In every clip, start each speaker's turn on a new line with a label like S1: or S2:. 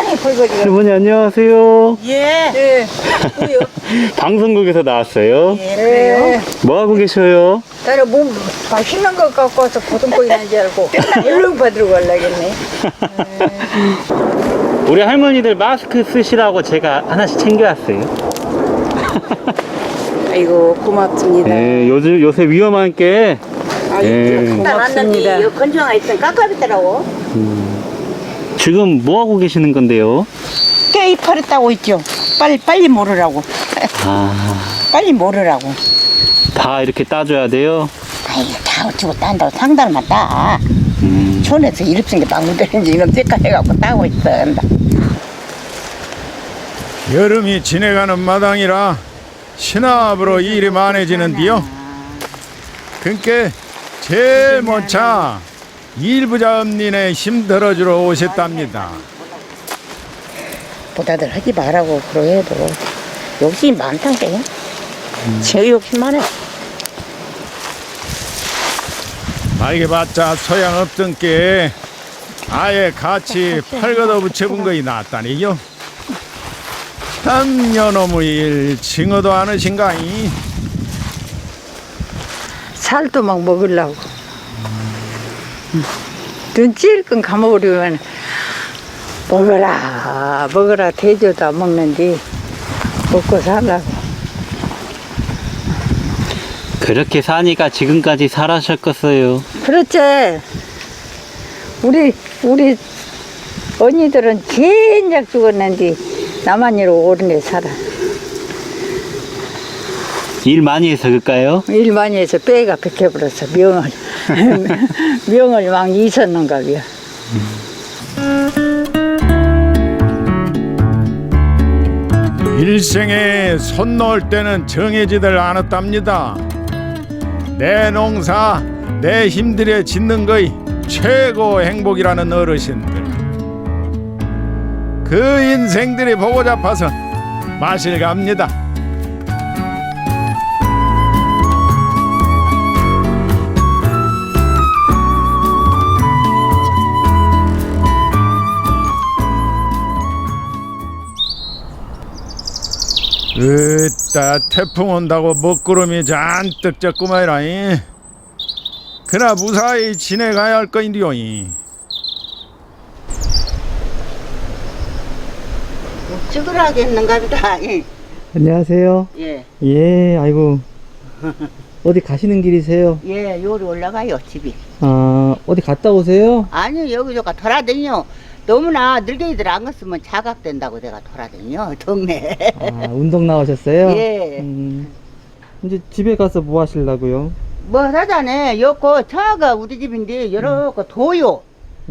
S1: 할머니 안녕하세요.
S2: 예. 예.
S1: 방송국에서 나왔어요.
S2: 예, 그래요?
S1: 뭐 하고 계셔요?
S2: 나는 뭐 맛있는 거 갖고 와서 고등고기 난줄 알고 얼른 받으러 가려겠네.
S1: 우리 할머니들 마스크 쓰시라고 제가 하나씩 챙겨왔어요.
S2: 아이고 고맙습니다.
S1: 네, 요새 위험한 게 예.
S2: 고맙습니다.
S3: 이거 건조가 있으면 깎아봤더라고.
S1: 지금 뭐 하고 계시는 건데요?
S3: 깨 이파리 따고 있죠. 빨리 모르라고. 빨리 모르라고.
S1: 다 이렇게 따줘야 돼요?
S3: 아이 다 어쩌고 딴다고 상달만 따. 촌에서 이립생이 막 묻어있는지 이놈 색깔 해갖고 따고 있어.
S4: 여름이 지내가는 마당이라 신압으로 일이 많아지는데요. 그러니까 제일 먼저 일부자 엄니네 힘들어주러 오셨답니다.
S3: 보다들 하지 말라고 그러해도 욕심이 많다게. 제 욕심 많아.
S4: 말개봤자 소양없던 게 아예 같이 팔걷어 붙여본 거이 낫다니요. 참 여놈의 일 징어도 않으신가이.
S2: 살도 막 먹으려고. 눈 찔끔 감아버리면 먹어라 대줘도 안 먹는데 먹고 살라고.
S1: 그렇게 사니까 지금까지 살아셨겠어요.
S2: 그렇지. 우리 언니들은 진작 죽었는데 나만 이러고 오르네 살아.
S1: 일 많이 해서 그럴까요?
S2: 일 많이 해서 뼈가 백해버렸어. 명을 막 잊었는가 봐요.
S4: 일생에 손 놓을 때는 정해지들 않았답니다. 내 농사 내 힘들에 짓는 거이 최고 행복이라는 어르신들. 그 인생들이 보고 잡아서 마실 갑니다. 으따 태풍 온다고 먹구름이 잔뜩 졌구만이라잉. 그나 무사히 지내가야 할 거인데요잉.
S3: 찌그러겠는가 보다.
S1: 안녕하세요.
S3: 예.
S1: 예, 아이고. 어디 가시는 길이세요?
S3: 예, 요리 올라가요, 집이.
S1: 아, 어디 갔다 오세요?
S3: 아니, 여기저기 돌아다녀. 너무나 늙은이들 안 갔으면 자각된다고 내가 돌아다녀, 동네.
S1: 아, 운동 나오셨어요?
S3: 예.
S1: 이제 집에 가서 뭐 하시려고요?
S3: 뭐 하자네. 여고 차가 우리 집인데 여러 거 도요.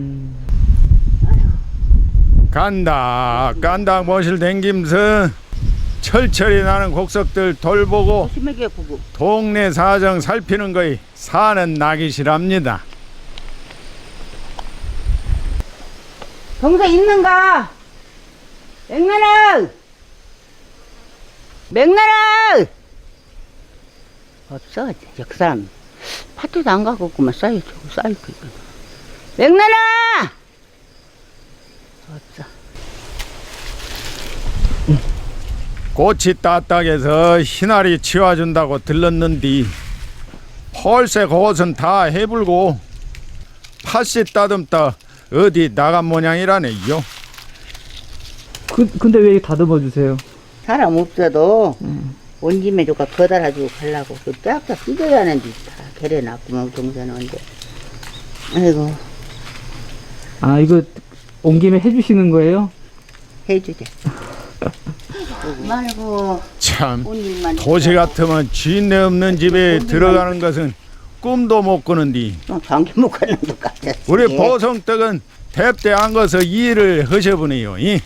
S4: 간다 모실 댕김서 철철이 나는 곡석들 돌보고
S3: 심하게 구구.
S4: 동네 사정 살피는 거이 사는 낙이시랍니다.
S3: 동생 있는가? 맥나라! 없어. 그 사람 파티도 안 가고 있구만. 쌓여있고 있구만. 맥나라! 없어.
S4: 꽃이 따딱해서 희날이 치워준다고 들렀는디 펄새 그것은 다 해불고 팥씨 따듬다 어디 나간 모양이라네요.
S1: 근데 왜 다듬어 주세요?
S3: 사람 없어도 온 김에 누가 거달아주고 가려고 그 쫙쫙 찢어야 하는데 다 개래놨구만 동생한테. 아이고
S1: 아, 이거 온 김에 해주시는 거예요?
S3: 해주제. 말고
S4: 참
S3: 온 일만
S4: 도시 같으면 쥐내 없는 집에 들어가는 것은 꿈도 못 꾸는디
S3: 장기 못 가는 것 같아.
S4: 우리 보성떡은 대대 안 가서 일을 하셔보네요.
S3: 네,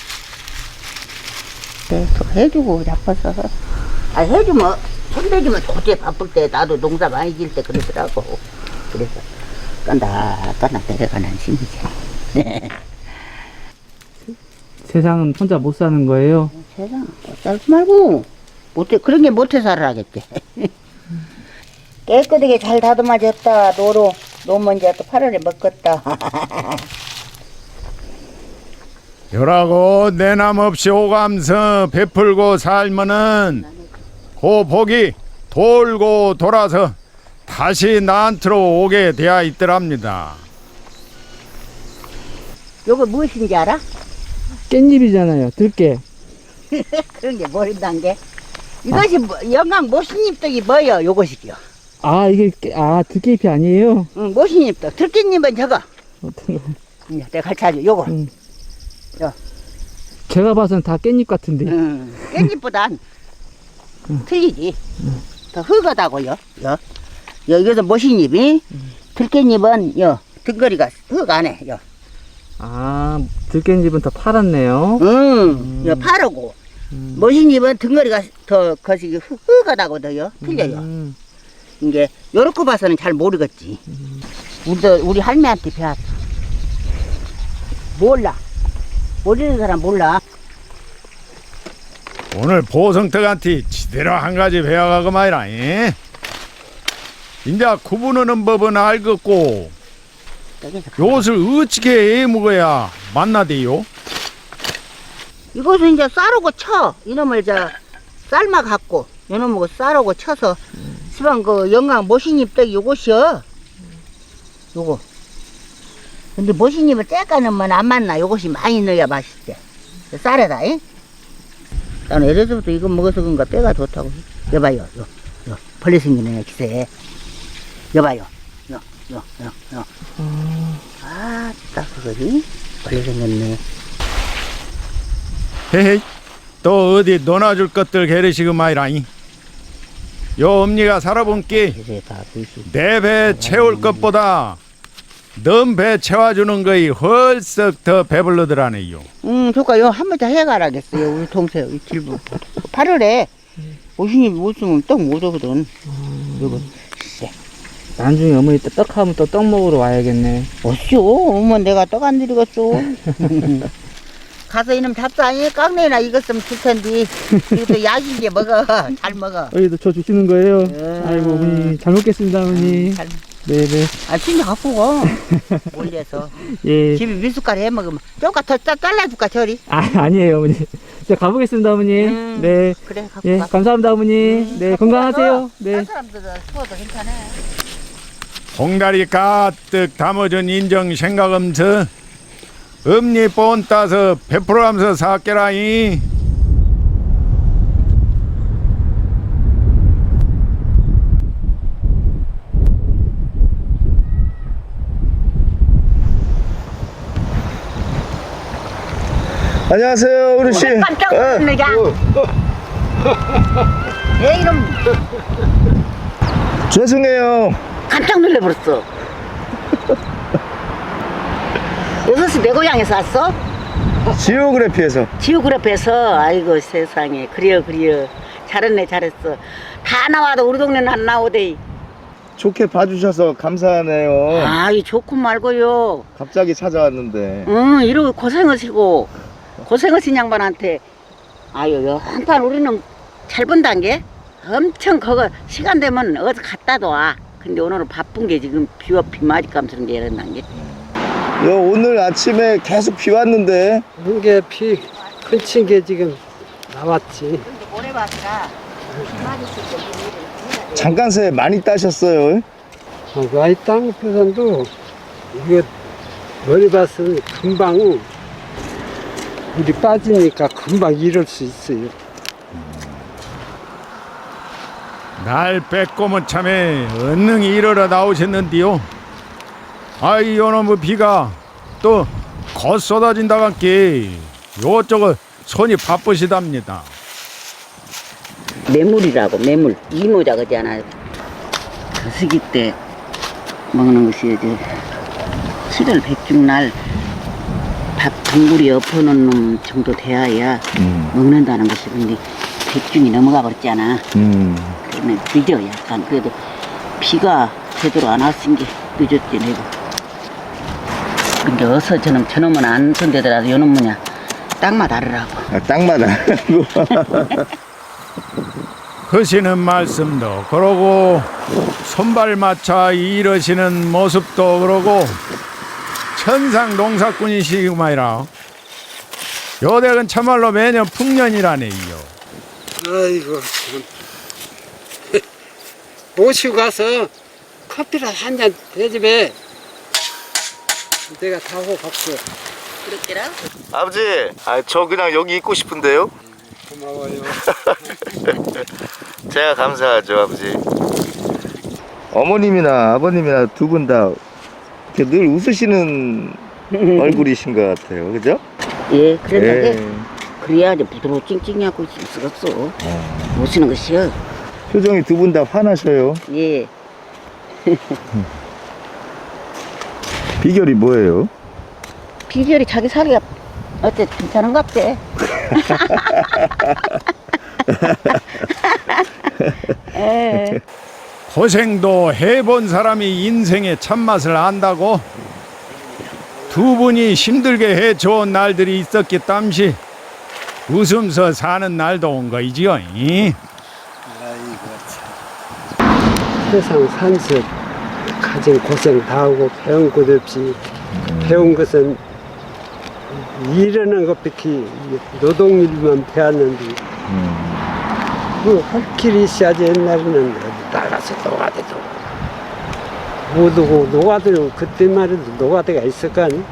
S3: 또 해주고 자빠서. 아 해주면 손대주면 도저히 바쁠 때 나도 농사 많이 질 때 그러더라고. 그래서 깐다 내려가는 심이지.
S1: 세상은 혼자 못 사는 거예요?
S3: 세상 살지 말고 못해 그런 게 못해 살아야겠지. 깨끗하게 잘 다듬어졌다. 노먼지야 또 8월에 먹겠다.
S4: 열하고 내남 없이 오감서 베풀고 살면은 그 복이 돌고 돌아서 다시 나한테로 오게 되어 있더랍니다.
S3: 요거 무엇인지 알아?
S5: 깻잎이잖아요. 들깨.
S3: 그런 게 모른단 게. 이것이 영광 모신잎떡이 뭐여? 요것이요.
S5: 아, 이게 들깨잎이 아니에요?
S3: 응, 모신잎떡. 들깻잎은 저거.
S5: 어떤 거?
S3: 내가 가르쳐줘. 요거.
S5: 제가 봐서는 다 깻잎 같은데.
S3: 깻잎보단 틀리지. 더 흙하다고요. 여기서 모신잎이 들깻잎은 등거리가 흙 안에.
S5: 아, 들깻잎은 더 파랗네요.
S3: 파르고 모신잎은 등거리가 더 거시기 흙하다고 더요. 틀려요. 이게 요렇게 봐서는 잘 모르겠지. 우리 할매한테 배웠어. 몰라. 모르는 사람 몰라.
S4: 오늘 보성떡한테 지대로 한 가지 배워가고 말이라. 이제 구분하는 법은 알겠고 요것을 어떻게 해먹어야 맛나대요?
S3: 이것은 이제 쌀하고 쳐. 이놈을 삶아 갖고 이놈하고 쌀하고 쳐서 시방 그 영광 모신잎떡 요것이요. 요거. 근데 모신잎을 째까 넣으면 안 맞나. 요것이 많이 넣어야 맛있대. 쌀에다. 나는 예전부터 이거 먹어서 그런가 뼈가 좋다고. 여봐요. 벌레 생기네 기세. 여봐요. 아, 딱 그거지. 벌레 생겼네.
S4: 헤헤, 또 어디 논아줄 것들 게르시고 마이라잉. 요 엄니가 살아본 게 내 배 채울 것보다 넌 배 채워주는 거이 헐썩 더 배불러더라네요.
S3: 조카 한번 더 해가라겠어요. 우리 동생 이 길부 8월에 오신이 못 쓰면 떡 못 오거든. 요거
S5: 나중에 어머니 떡하면 또 떡 먹으러 와야겠네.
S3: 어쇼 어머 내가 떡 안 드리겠어. 가서 이놈 잡사니 깡내나 익었으면 줄 텐데 이것도 약인게 먹어. 잘 먹어.
S5: 여기도 저 주시는 거예요?
S3: 예.
S5: 아이고 어머니 잘 먹겠습니다 어머니.
S3: 잘.
S5: 네네.
S3: 아 진짜 갖고 가. 올려서
S5: 예.
S3: 집에 밀숟가락 해 먹으면 조금 더 잘라줄까 저리.
S5: 아니에요 어머니. 제가 가보겠습니다 어머니. 네.
S3: 그래 갖고
S5: 예,
S3: 가.
S5: 감사합니다 어머니. 네, 건강하세요. 네.
S3: 딴 사람들은 추워도 괜찮아.
S4: 봉다리 가득 담아준 인정 생각하면서 엄니 본 따서 베풀어가면서 사께라이.
S6: 안녕하세요, 어르신.
S3: 깜짝 놀랐네, 야. 내 이름
S6: 죄송해요.
S3: 깜짝 놀래버렸어. 6시 내 고향에서 왔어?
S6: 지오그래피에서.
S3: 지오그래프에서. 아이고 세상에. 그래요. 잘했네 잘했어. 다 나와도 우리 동네는 안 나오대.
S6: 좋게 봐주셔서 감사하네요.
S3: 아이 좋고 말고요.
S6: 갑자기 찾아왔는데.
S3: 이러고 고생하시고 고생하신 양반한테 아유 한판 우리는 잘 본단 게 엄청 그거 시간 되면 어디 갔다도 와. 근데 오늘은 바쁜 게 지금 비와 비 맞이감스런 게 이랬난 게.
S6: 오늘 아침에 계속 비 왔는데.
S5: 이게 비 큰친 게 지금 나왔지.
S3: 모래밭이라
S6: 잠깐 새에 많이 따셨어요.
S5: 아이 땅표선도 이거 머리밭은 금방 물이 빠지니까 금방 이럴 수 있어요.
S4: 날 빼꼼은 참에 언능이 일어나 나오셨는데요. 아이 요놈의 비가 또 곧 쏟아진다 간게 요쪽은 손이 바쁘시답니다.
S3: 매물이라고 매물 이모자 그잖아. 거시기 때 먹는 것이 이제 7월 백중날 밥 동굴이 엎어놓은 놈 정도 돼야 먹는다는 것이. 근데 백중이 넘어가 버렸잖아. 그러면 늦어 약간. 그래도 비가 제대로 안 왔은 게 늦었지 내가. 근데 어서 저놈은 안 손대더라도 요놈 뭐냐 땅맛 알으라고.
S6: 땅마다.
S4: 하시는 말씀도 그러고 손발 맞춰 일하시는 모습도 그러고 천상 농사꾼이시구만이라. 요 댁은 참말로 매년 풍년이라네요.
S7: 아이고 참. 모시고 가서 커피를 한 잔 대접해. 내가 다 하고 갖고.
S3: 그렇게라?
S6: 아버지, 저 그냥 여기 있고 싶은데요?
S7: 고마워요.
S6: 제가 감사하죠, 아버지. 어머님이나 아버님이나 두 분 다 늘 웃으시는 얼굴이신 것 같아요, 그죠?
S3: 예, 그런데
S6: 예.
S3: 그래야지 부드러워 찡찡하고 있을 수가 없어. 오시는 것이요.
S6: 표정이 두 분 다 화나셔요.
S3: 예.
S6: 비결이 뭐예요?
S3: 비결이 자기 살기가 어때 괜찮은갑대. 에.
S4: 고생도 해본 사람이 인생의 참맛을 안다고. 두 분이 힘들게 해줘온 날들이 있었기 땀시 웃으면서 사는 날도 온 거이지요.
S7: 세상 산수 가진 고생 다 하고 배운 것 없이 배운 것은 일하는 것밖에 노동일만 배웠는데 할 길이 있어야지. 옛날에는 나가서 노가대도 못 오고 노가대로 그때만 해도 노가대가 있을 거 아니?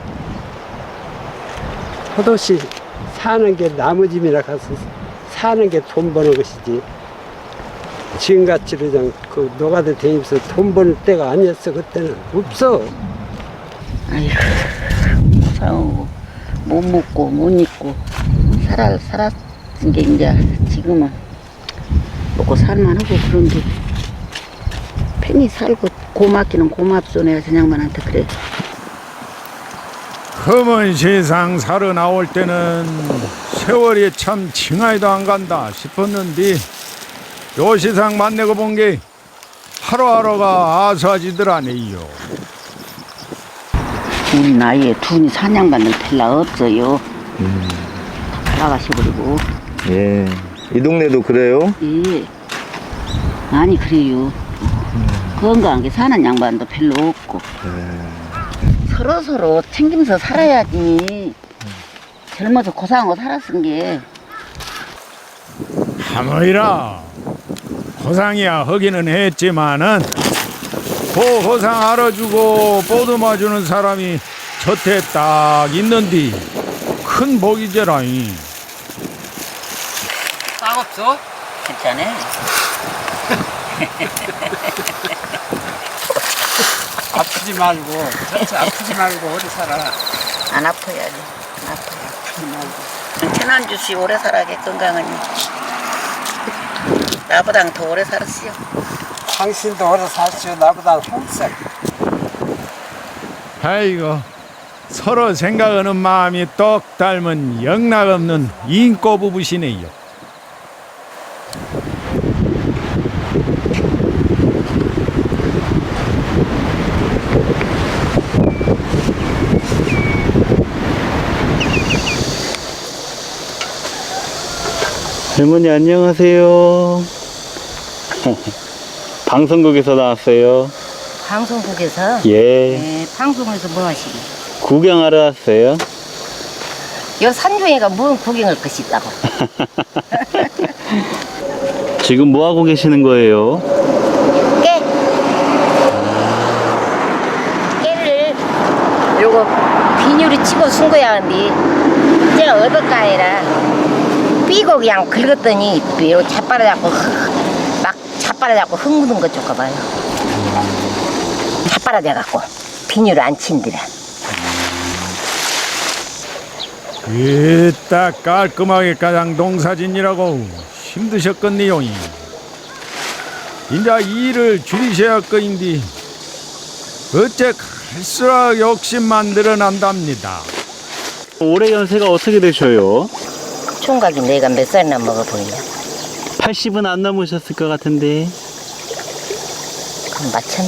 S7: 포도씨 사는 게 나무집이나 가서 사는 게 돈 버는 것이지. 지금같이 그냥 그 노가대 다니면서 돈 버는 때가 아니었어. 그때는 없어.
S3: 아이고 싸우고 못 먹고 못 입고 살았은 게 이제 지금은 먹고 살만하고 그런데 편히 살고 고맙기는 고맙소. 내가 저양반한테 그래.
S4: 험은 세상 살아 나올 때는 세월이 참 징하이도 안 간다 싶었는데 요 세상 만나고 본 게 하루하루가 아수아지더라네요.
S3: 우리 나이에 둘이 사냥받는 텔라 없어요. 나가셔버리고.
S6: 예. 이 동네도 그래요?
S3: 예. 아니 그래요. 건강하게 사는 양반도 별로 없고. 서로 챙기면서 살아야지. 젊어서 고상하고 살았은 게.
S4: 하모이라 고상이야 하기는 했지만은 그 고상 알아주고 보듬어주는 사람이 곁에 딱 있는디 큰 복이제라잉.
S7: 싹 없어?
S3: 괜찮아.
S7: 아프지 말고, 전체 아프지 말고 오래 살아.
S3: 안 아파야지. 안 아파요. 천안주씨 오래 살아게 건강하니. 나보단 더 오래 살았어요.
S7: 당신도 오래 살수요. 나보다 평생.
S4: 아이고 서로 생각하는 마음이 똑 닮은 영락없는 인꼬 부부시네요.
S1: 할머니 안녕하세요. 방송국에서 나왔어요.
S2: 방송국에서
S1: 예.
S2: 네, 방송에서 뭐 하시니?
S1: 구경하러 왔어요.
S2: 요 산중에가 뭔 구경할 것이 있다고?
S1: 지금 뭐 하고 계시는 거예요?
S2: 깨를 요거 비닐을 치고 쓴 거야. 근데 제가 어떨까이라 삐고 그냥 긁었더니 요 자빠라잡고 막 자빠라잡고 흥분한 것 줄까 봐요. 자빠라져갖고 비닐을 안 친더라.
S4: 딱 깔끔하게 가장 농사진이라고 힘드셨겠네요. 이제 일을 줄이셔야 할 거인데 어째 갈수록 욕심만 늘어난답니다.
S1: 올해 연세가 어떻게 되셔요?
S2: 총각이 내가 몇 살이나 먹어 보이냐?
S1: 80은 안 넘으셨을 것 같은데.
S2: 그럼 마찬.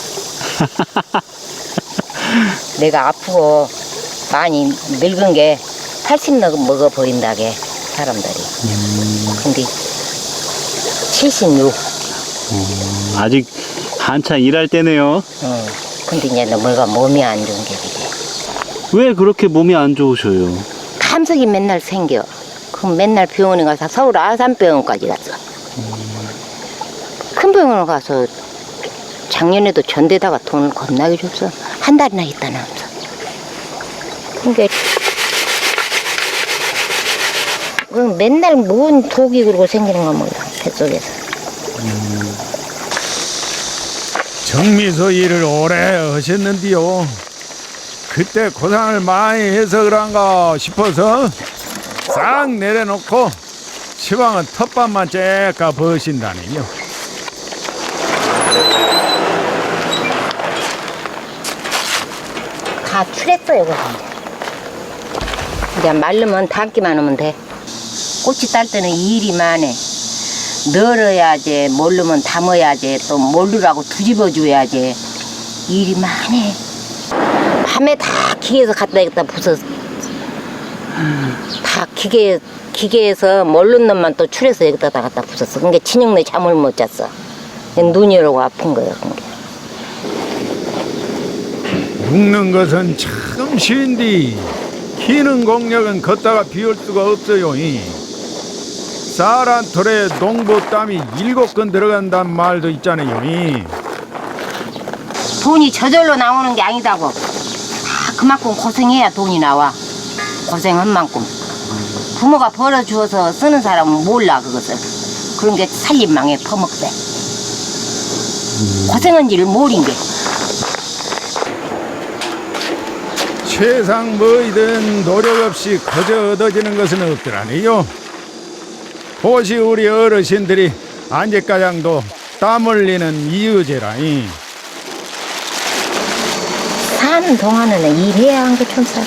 S2: 내가 아프고 많이 늙은 게 80 먹어 보인다게 사람들이. 근데 76.
S1: 아직 한참 일할 때네요.
S2: 근데 이제 뭐가 몸이 안 좋은 게 그게.
S1: 왜 그렇게 몸이 안 좋으셔요?
S2: 참석이 맨날 생겨. 그럼 맨날 병원에 가서 서울 아산병원까지 갔어. 큰 병원을 가서 작년에도 전대다가 돈을 겁나게 줬어. 한 달이나 있다 나면서. 그러니까 맨날 뭔 독이 그러고 생기는 거 몰라. 뱃속에서.
S4: 정미소 일을 오래 하셨는데요. 그때 고생을 많이 해서 그런가 싶어서 싹 내려놓고 시방은 텃밭만 째까 버신다니요.
S2: 다 출했어요, 그거. 이제 말르면 담기만 하면 돼. 꽃이 딸 때는 일이 많아. 널어야지, 모르면 담아야지, 또 모르라고 뒤집어줘야지. 일이 많아. 밤에 다 기계에서 갖다 여기다 부숴. 다 기계에서 모르는 놈만 또 출해서 여기다 갖다 부쉈어. 그러니까 진영내 잠을 못 잤어. 눈이 오고 아픈 거예요, 그게.
S4: 묶는 것은 참 쉬운데 키는 공력은 걷다가 비울 수가 없어요. 쌀 한 톨에 농부 땀이 7건 들어간단 말도 있잖아요.
S2: 돈이 저절로 나오는 게 아니다고. 다 그만큼 고생해야 돈이 나와. 고생한 만큼. 부모가 벌어주어서 쓰는 사람은 몰라 그것을. 그런 게 살림망에 퍼먹대. 고생한 일을 모른 게.
S4: 세상 뭐이든 노력 없이 거저 얻어지는 것은 없더라니요. 혹시 우리 어르신들이 안제가장도 땀 흘리는 이유제라니.
S2: 사는 동안에는 일해야 한 게 천사가.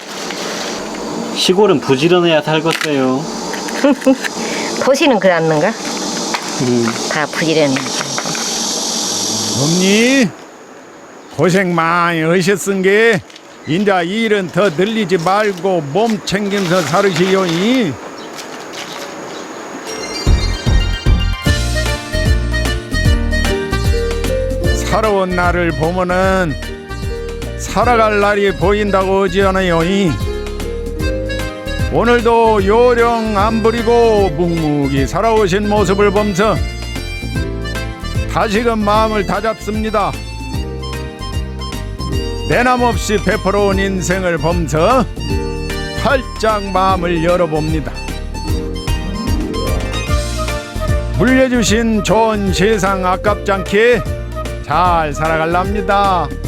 S1: 시골은 부지런해야 살겠어요.
S2: 도시는 그렇는가? 다 부지런해.
S4: 어머니 고생 많이 하셨은 게 인자 일은 더 늘리지 말고 몸 챙기면서 살으시오. 살아온 날을 보면은 살아갈 날이 보인다고 하지않아요. 오늘도 요령 안 부리고 묵묵히 살아오신 모습을 보면서 다시금 마음을 다잡습니다. 내남없이 베풀어온 인생을 보면서 활짝 마음을 열어봅니다. 물려주신 좋은 세상 아깝지 않게 잘 살아갈랍니다.